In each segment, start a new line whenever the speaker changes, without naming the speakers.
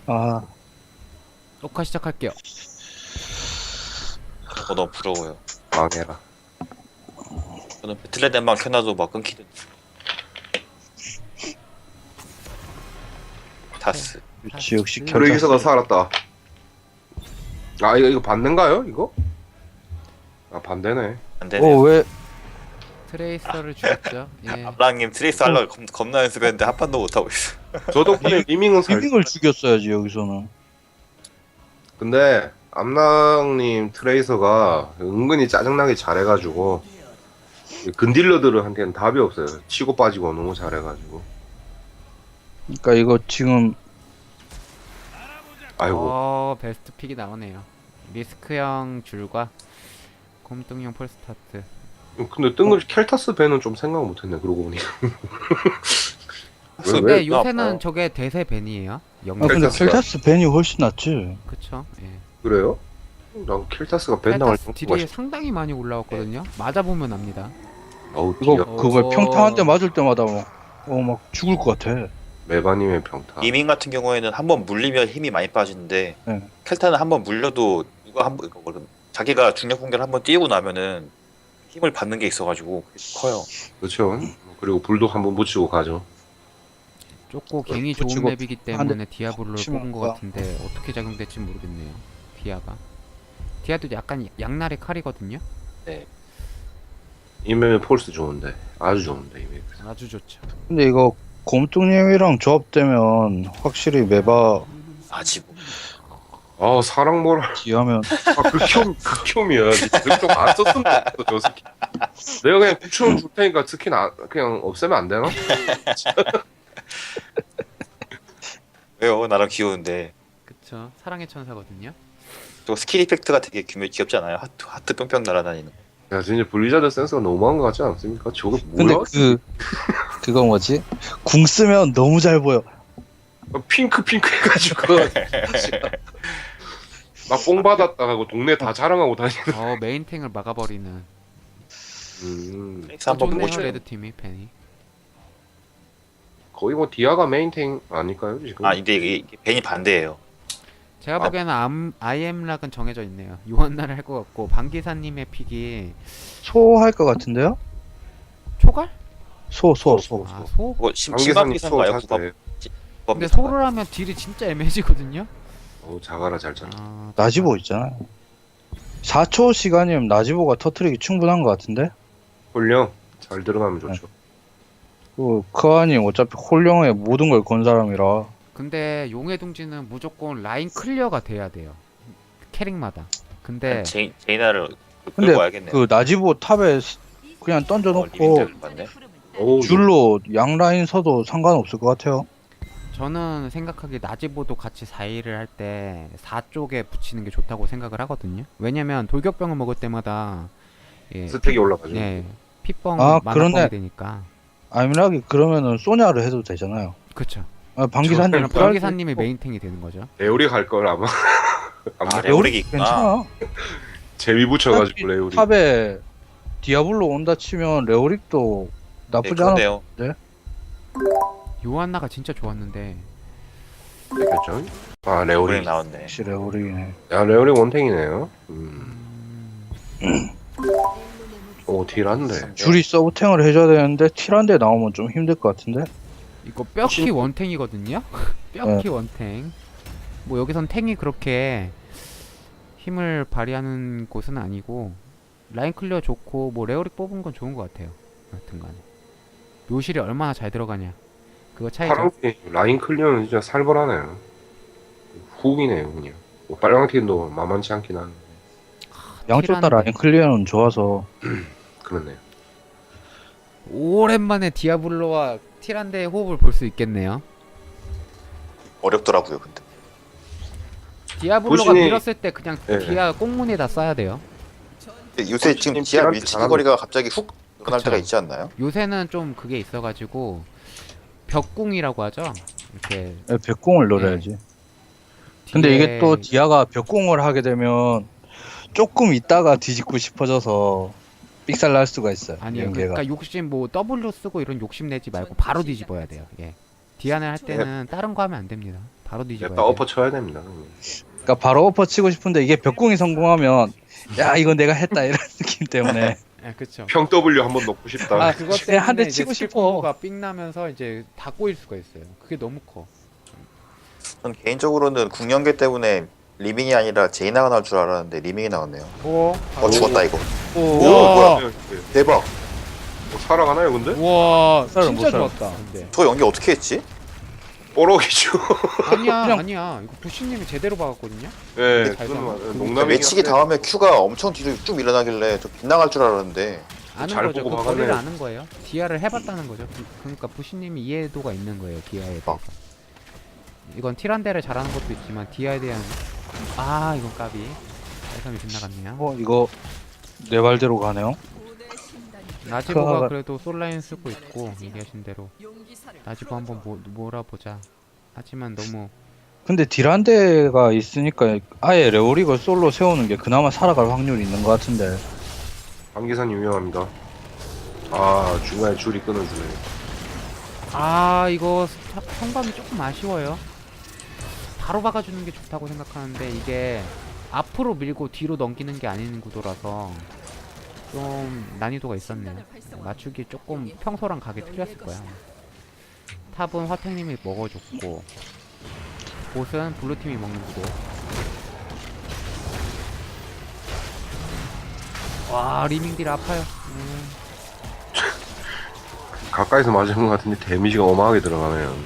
아,
녹화 시작할게요.
너무 부러워요.
망해라.
저는 배틀넷만 켜놔도 막 끊기던데. 다스.
그렇지, 역시
음.
결
브레이서가 살았다. 아 이거 반대인가요? 이거? 아 반대네.
안 되네요.
어, 왜?
트레이서를 죽였죠. 예.
압랑님 트레이스 하려고 겁나 연습했는데 한 판도 못하고 있어.
저 덕분에 리밍은 살.
리빙을 죽였어야지, 여기서는.
근데 암랑님 트레이서가 은근히 짜증나게 잘해가지고 근딜러들한테는 답이 없어요. 치고 빠지고 너무 잘해가지고.
그러니까 이거 지금
아이고.
베스트 픽이 나오네요. 리스크형 줄과 곰뚱형 폴스타트.
근데 뜬금없이 켈타스 밴은 좀 생각 못했네. 그러고 보니. 왜?
근데 요새는 저게 대세 밴이에요.
아,
영국.
근데
켈타스가.
켈타스 벤이 훨씬 낫지.
그쵸. 예.
그래요? 난 켈타스가 밴 나갈
펠타스
정도가
딜이 상당히 많이 올라왔거든요. 맞아보면 압니다.
어우
이거
기가
그거 평타 한 대 맞을 때마다 막 죽을 것 같아.
메바님의 평타.
이밍 같은 경우에는 한번 물리면 힘이 많이 빠지는데
네.
켈타는 한번 물려도 이거 한번 자기가 중력 공격을 한번 띄우고 나면은 힘을 받는 게 있어가지고 커요.
그렇죠. 그리고 불도 한번 붙이고 가죠.
좁고 갱이 좋은
붙이고
맵이기
한 대
때문에 디아블로를
치면
뽑은 것
가.
같은데 어떻게 작용될지 모르겠네요. 디아가. 디아도 약간 양날의 칼이거든요.
이메일 폴스 좋은데 아주 좋은데 이메일.
아주 좋죠.
근데 이거 곰뚱님이랑 조합되면 확실히 메바
아직
아 사랑 뭐라.
기하면
아 극혐이야. 좀안 썼으면 좋겠어 저 스킨. 내가 그냥 9,000원 줄 테니까 스킨 그냥 없애면 안 되나?
왜요? 나랑 귀여운데.
그쵸. 사랑의 천사거든요.
저 스킬 이펙트가 되게 귀엽지 않아요? 하트 뿅뿅 날아다니는.
야 진짜 블리자드 센스가 너무한 것 같지 않습니까? 저게
근데
뭐야?
그거 뭐지? 궁 쓰면 너무 잘 보여.
핑크 해가지고 막 뽕 받았다 하고 동네 다 자랑하고 다니는.
메인탱을 막아버리는.
트레이스 한번 보고
좋네요,
싶어요.
레드팀이 팬이.
거의 뭐 디아가 메인탱 아닐까요 지금?
아 근데 이게 벤이 반대예요.
제가 보기에는 아이엠락은 정해져 있네요. 유한나를 할 것 같고 방기사님의 픽이
소할 것 같은데요?
초갈?
소.
아 소?
그거
방기사님
심박기사
소
말고
자세.
근데 소를 하면 딜이 진짜 애매해지거든요.
자가라 잘 짜.
나지보 있잖아. 4초 시간이면 나지보가 터트리기 충분한 것 같은데?
홀령 잘 들어가면 좋죠.
크아님 어차피 홀령에 모든 걸 건 사람이라.
근데 용의 둥지는 무조건 라인 클리어가 돼야 돼요. 캐릭마다. 근데
제이나를
근데
끌고 와야겠네요.
그 나지보 탑에 그냥 던져놓고
리빙자를 봤네.
어우,
줄로 양 라인 서도 상관없을 것 같아요.
저는 생각하기에 나지보도 같이 4일을 할 때 4쪽에 붙이는 게 좋다고 생각을 하거든요. 왜냐면 돌격병을 먹을 때마다
스택이 올라가죠.
핏뻥
아,
만화뻥이
그러네.
되니까.
아미락이 그러면은 소냐를 해도 되잖아요.
그쵸.
방기사님
그럼
필요할
방기사님이
때
메인탱이 되는 거죠.
레오리 갈 걸 아마. 아마
레오릭이 있구나.
괜찮아.
재미 붙여가지고 레오리.
탑에 디아블로 온다 치면 레오릭도 나쁘지 않아.
그러네요.
요한나가 진짜 좋았는데
되겠죠? 아
오래
레오리.
나왔네.
역시 레오릭이네.
야 레오리 원탱이네요. 오 딜한데.
줄이 서브탱을 해줘야 되는데 틸한데 나오면 좀 힘들 것 같은데.
이거 뼈키 원탱이거든요. 뼈키 원탱. 뭐 여기선 탱이 그렇게 힘을 발휘하는 곳은 아니고 라인 클리어 좋고 뭐 레오릭 뽑은 건 좋은 것 같아요. 여튼간에 묘실이 얼마나 잘 들어가냐 그거 차이죠.
파랑팀 라인 클리어는 진짜 살벌하네요. 훅이네요 그냥. 뭐 빨강팀도 만만치 않긴 한데.
양쪽 다 라인 클리어는 좋아서.
그렇네요.
오랜만에 디아블로와 티란데의 호흡을 볼 수 있겠네요.
어렵더라고요 근데.
디아블로가
보신이-
밀었을 때 그냥
예.
디아 꽁문에다 쏴야 돼요.
근데 요새 지금 지하
딜한테
밀치기
잘하는
거리가 갑자기 훅 늘어날
그쵸.
때가 있지 않나요?
요새는 좀 그게 있어가지고 벽궁이라고 하죠. 이렇게
벽공을 노려야지. 근데 이게 또 디아가 벽공을 하게 되면 조금 있다가 뒤집고 싶어져서 삑살 날 수가 있어요.
아니요.
연계가.
그러니까 욕심 뭐 W 쓰고 이런 욕심 내지 말고 바로 뒤집어야 돼요. 예. 디안을 할 때는 다른 거 하면 안 됩니다. 바로 뒤집어야
냅다
돼.
엎어 쳐야 됩니다.
그러니까 바로 엎어 치고 싶은데 이게 벽궁이 성공하면 야 이건 내가 했다 이런 느낌 때문에
예, 그쵸.
평 W 한번 넣고 싶다.
아,
그것
그냥 한대
때문에 이제
치고
스킬
싶어.
콤보가 삥 나면서 이제 다 꼬일 수가 있어요. 그게 너무 커.
전 개인적으로는 궁연계 때문에 리밍이 아니라 제이나가 나올 줄 알았는데 리밍이 나왔네요.
오,
죽었다 이거.
오,
우와.
뭐야? 대박.
뭐 살아가나요 근데?
우와,
살아, 못
진짜
살아.
좋았다. 근데
저 연기 어떻게 했지?
뽀록이죠.
아니야,
그냥-
아니야. 이거 부시님이 제대로 박았거든요.
예,
잘
그건
잡아.
맞아요.
그
농담이긴
매치기
한데
다음에 Q가 엄청 뒤로 쭉 밀려나길래 저 빗나갈 줄 알았는데
아는
잘
거죠. 그
보고
거리를
박았네.
아는 거예요. 디아를 해봤다는 거죠. 그러니까 부시님이 이해도가 있는 거예요. 디아에 대해서. 이건 티란데를 잘하는 것도 있지만 디아에 대한 이건 까비. 깔끔히 빗나갔네요.
이거 내 말대로 가네요.
나지보가
그-
그래도 솔라인 쓰고 있고 얘기하신 대로 나지보 한번 몰아보자. 하지만 너무
근데 딜한대가 있으니까 아예 레오릭을 솔로 세우는 게 그나마 살아갈 확률이 있는 것 같은데.
방기산 유명합니다. 아 중간에 줄이 끊어주네.
이거 성감이 조금 아쉬워요. 바로 박아주는 게 좋다고 생각하는데 이게 앞으로 밀고 뒤로 넘기는 게 아닌 구도라서 좀 난이도가 있었네요. 맞추기 조금 평소랑 가게 틀렸을 거야. 탑은 화탱님이 먹어줬고 보스는 블루팀이 먹는 구도. 와 리밍딜 아파요.
가까이서 맞은 것 같은데 데미지가 어마하게 들어가네요.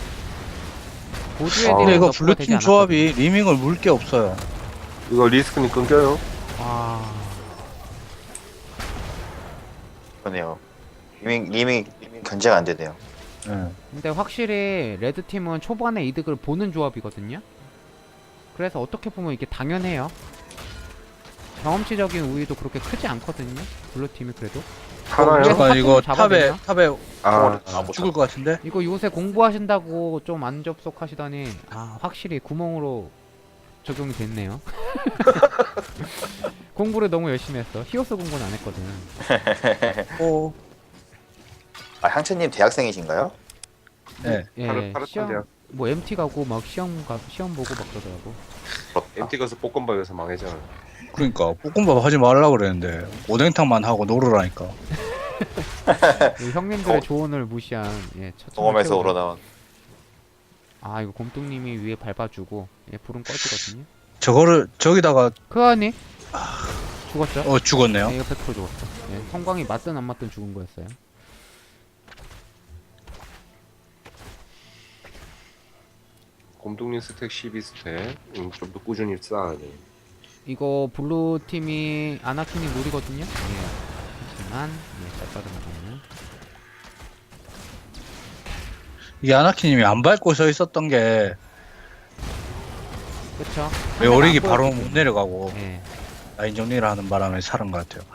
보조의
아.
근데
딜은
이거
너프가 되지
블루팀 조합이 리밍을 물 게 없어요.
이거 리스크니 끊겨요?
않았거든요.
그러네요. 리밍 견제가 안 되네요.
예.
근데 확실히 레드팀은 초반에 이득을 보는 조합이거든요. 그래서 어떻게 보면 이게 당연해요. 경험치적인 우위도 그렇게 크지 않거든요. 블루팀이 그래도.
하나요?
그래서
잠깐 이거
잡아내냐?
탑에
아,
못
죽을 것 같은데?
이거 요새 공부하신다고 좀 안 접속하시더니 확실히 구멍으로 적용이 됐네요. 공부를 너무 열심히 했어. 히오스 공부는 안 했거든.
오.
아 향채님 대학생이신가요?
네.
예,
파릇파릇한데요.
시험 뭐 MT 가고 막 시험 보고 막 그러더라고.
부럽다.
MT 가서 볶음밥에서 망했잖아.
그러니까 볶음밥 하지 말라 그랬는데 오뎅탕만 하고 놀으라니까.
이 형님들의 조언을 무시한 첫
경험에서 우러나온.
이거 곰뚱님이 위에 밟아주고 불은 꺼지거든요.
저거를 저기다가
크아니 죽었죠?
죽었네요.
이거 100% 죽었어. 성광이 맞든 안 맞든 죽은 거였어요.
곰둥이 스택 12스택 좀 더 꾸준히 쌓아야 돼.
이거 블루 팀이 아나킨이 노리거든요. 하지만 잘 빠져나가는.
이게 아나키님이 안 밟고 서 있었던 게
그쵸?
레오릭이
상대가 안
바로
보여주고.
못 내려가고
예.
라인 정리를 하는 바람에 살은 것 같아요.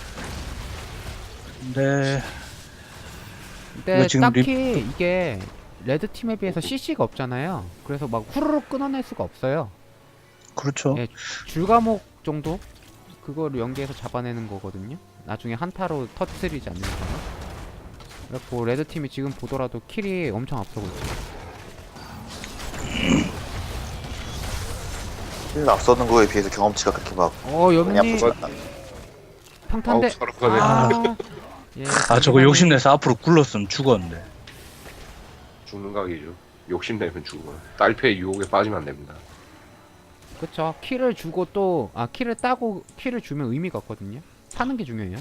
근데
근데
이거 지금
딱히 이게 레드 팀에 비해서 CC가 없잖아요. 그래서 막 후루룩 끊어낼 수가 없어요.
그렇죠.
예, 줄과목 정도 그거를 연계해서 잡아내는 거거든요. 나중에 한타로 터트리지 않는 이상. 그래갖고 레드 팀이 지금 보더라도 킬이 엄청 앞서고 있죠.
힐 앞서는 거에 비해서 경험치가 그렇게 막 많이
여민이
아프지 않나.
평탄대.
아우 살아가네.
예,
저거 욕심내서 앞으로 굴렀으면 죽었는데.
죽는 각이죠. 욕심내면 죽어. 딸패의 유혹에 빠지면 안 됩니다.
그쵸. 킬을 주고 또 킬을 따고 킬을 주면 의미가 없거든요. 사는 게 중요해요.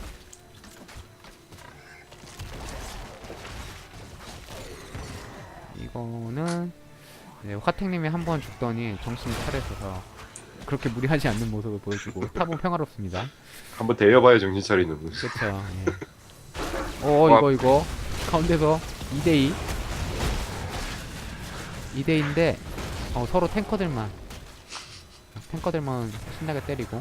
이거는 화택님이 한 번 죽더니 정신이 차려져서 그렇게 무리하지 않는 모습을 보여주고 탑은 평화롭습니다.
한번 데려봐야 정신 차리는 분.
그쵸. 이거 가운데서 2대2 2대2인데 서로 탱커들만 신나게 때리고.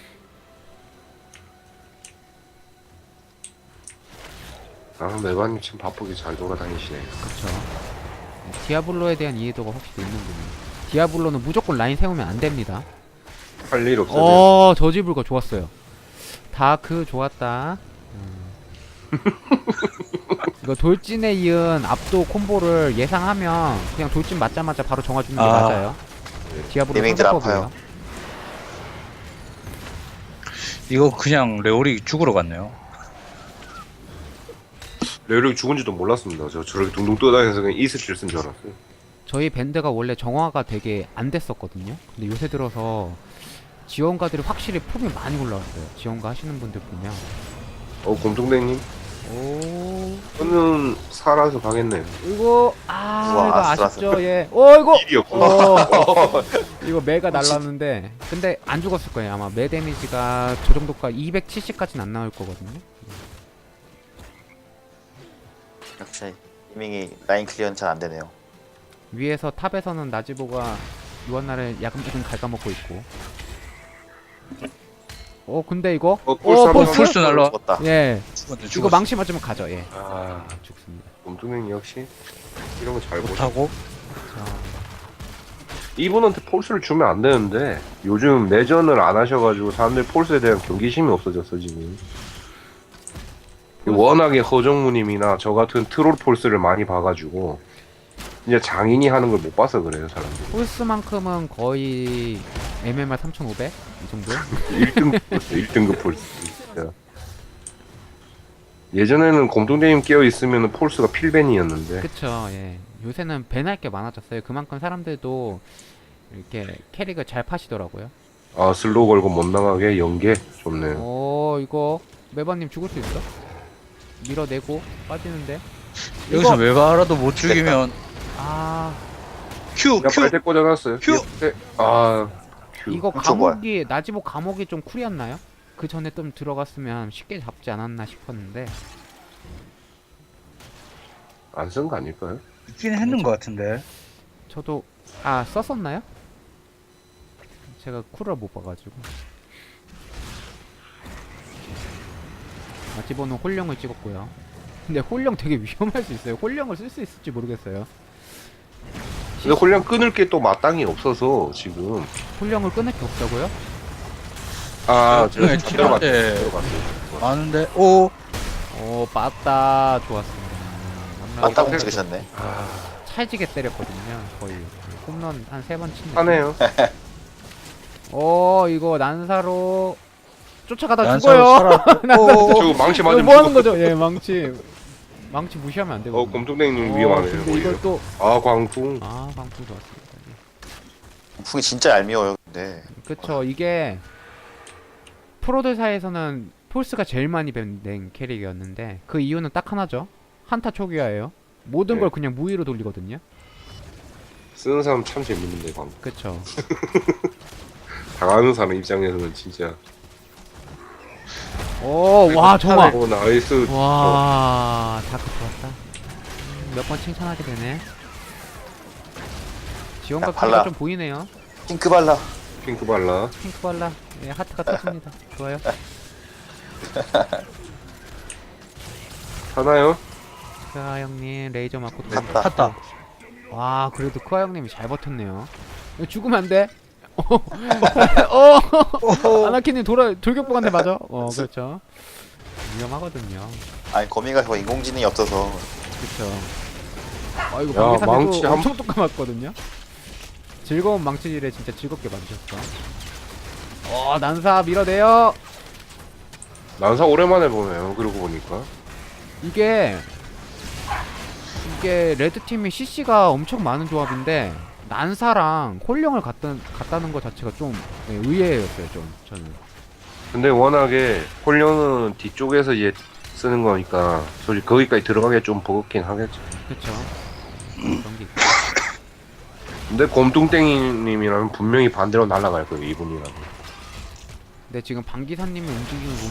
메바님 참 바쁘게 잘 돌아다니시네.
그쵸. 디아블로에 대한 이해도가 확실히 있는 분이에요. 디아블로는 무조건 라인 세우면 안 됩니다.
할 일 없어요.
저지불가 좋았어요. 다크 좋았다. 이거 돌진에 이은 압도 콤보를 예상하면 그냥 돌진 맞자마자 바로 정화주는 게
아.
맞아요. 디아블로
리메이들
선택법이에요.
아파요.
이거 그냥 레오리 죽으러 갔네요.
레오릭 죽은지도 몰랐습니다. 저 저렇게 둥둥 떠다니면서 그냥 이스킬 쓴 줄 알았어요.
저희 밴드가 원래 정화가 되게 안 됐었거든요. 근데 요새 들어서 지원가들이 확실히 폼이 많이 올라왔어요. 지원가 하시는 분들 보면.
곰통대님,
오,
저는 살아서 가겠네요.
이거
우와,
이거
아슬아슬.
아쉽죠. 예. 이거
일이었구나.
이거 매가 날랐는데 근데 안 죽었을 거예요. 아마 매 데미지가 저 정도까 270까지는 안 나올 거거든요.
역시 이밍이 라인 클리어는 잘 안 되네요.
위에서 탑에서는 나지보가 유한나를 야금야금 갉아먹고 있고. 근데 이거
폴스 한번
폴스 날라.
죽었다.
예
죽었네,
이거
죽었어.
망치 맞으면 가죠. 예
아,
죽습니다.
곰통대님 역시 이런 거 잘 보셔.
못하고.
자,
이분한테 폴스를 주면 안 되는데 요즘 내전을 안 하셔가지고 사람들이 폴스에 대한 경계심이 없어졌어 지금. 워낙에 허정무님이나 저 같은 트롤 폴스를 많이 봐가지고 이제 장인이 하는 걸 못 봐서 그래요 사람들이.
폴스만큼은 거의 MMR 3500 이 정도요?
1등급 폴스, 1등급 폴스. 진짜. 예전에는 곰통대님 깨어 있으면 폴스가 필벤이었는데
그쵸. 예 요새는 밴할 게 많아졌어요. 그만큼 사람들도 이렇게 캐릭을 잘 파시더라고요.
아 슬로우 걸고 못 나가게 연계 좋네요.
이거 매번님 죽을 수 있어? 밀어내고 빠지는데
여기서
이거-
외바라도 못 죽이면 큐
그냥
큐.
빨대 꽂아놨어요.
큐!
네. 아 큐.
이거
훔쳐 뭐야?
감옥이 나지보 감옥이 좀 쿨이었나요? 그 전에 좀 들어갔으면 쉽게 잡지 않았나 싶었는데
안 쓴 거 아닐까요?
있긴 했는 것 같은데.
저도 썼었나요? 제가 쿨을 못 봐가지고 나지보는 홀령을 찍었고요. 근데 홀령 되게 위험할 수 있어요. 홀령을 쓸 수 있을지 모르겠어요.
근데 홀량 끊을 게 또 마땅히 없어서 지금
홀령을 끊을 게 없다고요?
제가
네, 칠한데.
들어갔어요.
많은데. 오.
빠따 좋았습니다.
맞다고 찍으셨네.
찰지게 때렸거든요. 거의 홈런 한 3번 친.
하네요.
이거 난사로 쫓아가다
난사로
죽어요.
살아. 오.
저 망치
이거
맞으면
뭐 하는
죽어.
거죠? 예, 망치 무시하면 안 되거든요.
곰통대님 위험하네요.
근데
오히려.
이걸 또
광풍.
광풍 좋았습니다.
풍이 진짜 얄미워요. 근데
그쵸. 이게 프로들 사이에서는 폴스가 제일 많이 밴된 캐릭이었는데 그 이유는 딱 하나죠. 한타 초기화예요. 모든
네.
걸 그냥 무위로 돌리거든요.
쓰는 사람 참 재밌는데 광풍.
그쵸.
당하는 사람 입장에서는 진짜.
와 정말.
오 나이스.
와 다크 좋았다. 몇 번 칭찬하게 되네. 지원과
야,
크기가
발라.
좀 보이네요.
핑크 발라.
핑크 발라.
핑크 발라. 예, 하트가 터집니다. 좋아요.
하나요?
크아 형님 레이저 맞고 또
갔다.
탔다.
와 그래도 크아 형님이 잘 버텼네요. 이거 죽으면 안 돼. 아나키님 돌격복한테 맞아. 그렇죠. 위험하거든요.
아니 거미가 저 인공지능이 없어서
그쵸. 이거
야,
방계산에도
망치 한-
엄청 똑같거든요. 즐거운 망치질에 진짜 즐겁게 만드셨어. 난사 밀어내요.
난사 오랜만에 보네요. 그러고 보니까.
이게 레드팀이 CC가 엄청 많은 조합인데 난사랑 홀령을 갖다는 것 자체가 좀 의외였어요. 좀 저는.
근데 워낙에 홀령은 뒤쪽에서 얘 쓰는 거니까 솔직히 거기까지 들어가기 좀 버겁긴 하겠죠.
그쵸. 그런 게 있고.
근데 곰뚱땡이님이라면 분명히 반대로 날아갈 거예요. 이분이라면.
근데 지금 방기사님의 움직임을